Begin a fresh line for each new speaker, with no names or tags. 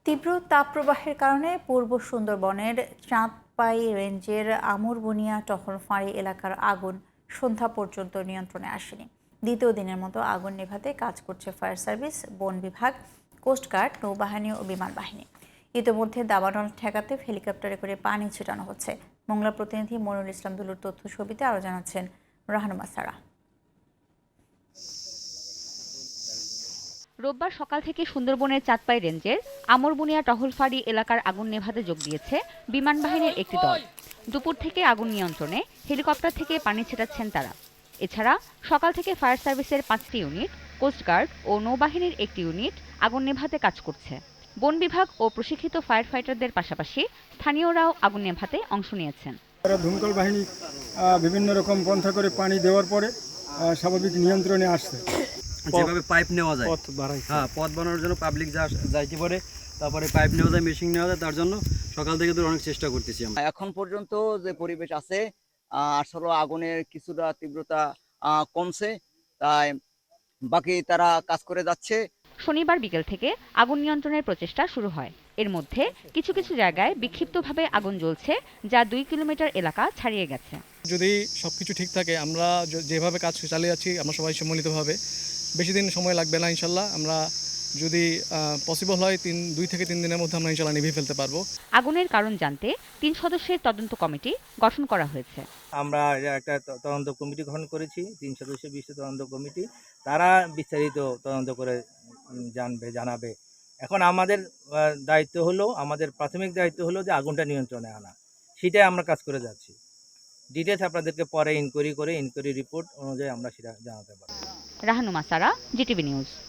তীব্র তাপপ্রবাহের কারণে পূর্ব সুন্দরবনের চাঁদপাই রেঞ্জের আমুরবুনিয়া টহল ফাঁড়ি এলাকার আগুন সন্ধ্যা পর্যন্ত নিয়ন্ত্রণে আসেনি। দ্বিতীয় দিনের মতো আগুন নেভাতে কাজ করছে ফায়ার সার্ভিস, বন বিভাগ, কোস্টগার্ড, নৌবাহিনী ও বিমান বাহিনী। ইতিমধ্যে দাবানল ঠেকাতে হেলিকপ্টারে করে পানি ছিটানো হচ্ছে। মোংলা প্রতিনিধি মনিরুল ইসলাম দুলুর তথ্য ছবিতে আরও জানাচ্ছেন রাহানুমা সারা।
রোববার সকাল থেকে সুন্দরবনের চাঁদপাই রেঞ্জের আমরবুনিয়া টহল ফাঁড়ি এলাকার আগুন নেভাতে যোগ দিয়েছে বিমান বাহিনীর একটি দল। দুপুর থেকে আগুন নিয়ন্ত্রণে হেলিকপ্টার থেকে পানি ছেটাচ্ছেন তারা। এছাড়া সকাল থেকে ফায়ার সার্ভিসের 5টি ইউনিট, কোস্টগার্ড ও নৌবাহিনীর একটি ইউনিট আগুন নেভাতে কাজ করছে। বন বিভাগ ও প্রশিক্ষিত ফায়ার ফাইটারদের পাশাপাশি স্থানীয়রাও আগুন নেভাতে অংশ নিয়েছেন।
দমকল বাহিনী বিভিন্ন রকম পন্থা করে পানি দেওয়ার পরে স্বাভাবিক নিয়ন্ত্রণে আসছে।
যেভাবে পাইপ নেওয়া যায়, পথ বানানোর জন্য পাবলিক যাইতে পারে, তারপরে পাইপ নেওয়া যায়, মেশিন নেওয়া যায়, তার জন্য সকাল থেকে তো অনেক চেষ্টা করতেছি আমরা।
এখন পর্যন্ত যে পরিবেশ আছে আসলে আগুনের কিছুটা তীব্রতা কমছে, তাই বাকি তারা কাজ করে যাচ্ছে।
শনিবার বিকেল থেকে আগুন নিয়ন্ত্রণের প্রচেষ্টা শুরু হয়। এর মধ্যে কিছু কিছু জায়গায় বিক্ষিপ্তভাবে আগুন জ্বলছে, যা 2 কিলোমিটার এলাকা ছাড়িয়ে গেছে।
যদি সবকিছু ঠিক থাকে, আমরা যেভাবে কাজ চালিয়ে যাচ্ছি, আমরা সবাই সম্মিলিতভাবে, বেশি দিন সময় লাগবে না ইনশাল্লাহ। আমরা যদি পসিবল হয় 2 থেকে 3 দিনের মধ্যে আমরা ইনশাল্লাহ নিভিয়ে ফেলতে পারবো।
আগুনের কারণ জানতে 3 সদস্যের তদন্ত কমিটি গঠন করা হয়েছে।
আমরা একটা তদন্ত কমিটি গঠন করেছি, 3 সদস্য বিশিষ্ট তদন্ত কমিটি। তারা বিস্তারিত তদন্ত করে জানাবে। এখন আমাদের দায়িত্ব হলো, আমাদের প্রাথমিক দায়িত্ব হলো যে আগুনটা নিয়ন্ত্রণে আনা। সেটাই আমরা কাজ করে যাচ্ছি। ডিটেলস আপনাদেরকে পরে ইনকোয়ারি রিপোর্ট অনুযায়ী আমরা সেটা জানাতে পারবো।
Rahanuma Sara, GTV news.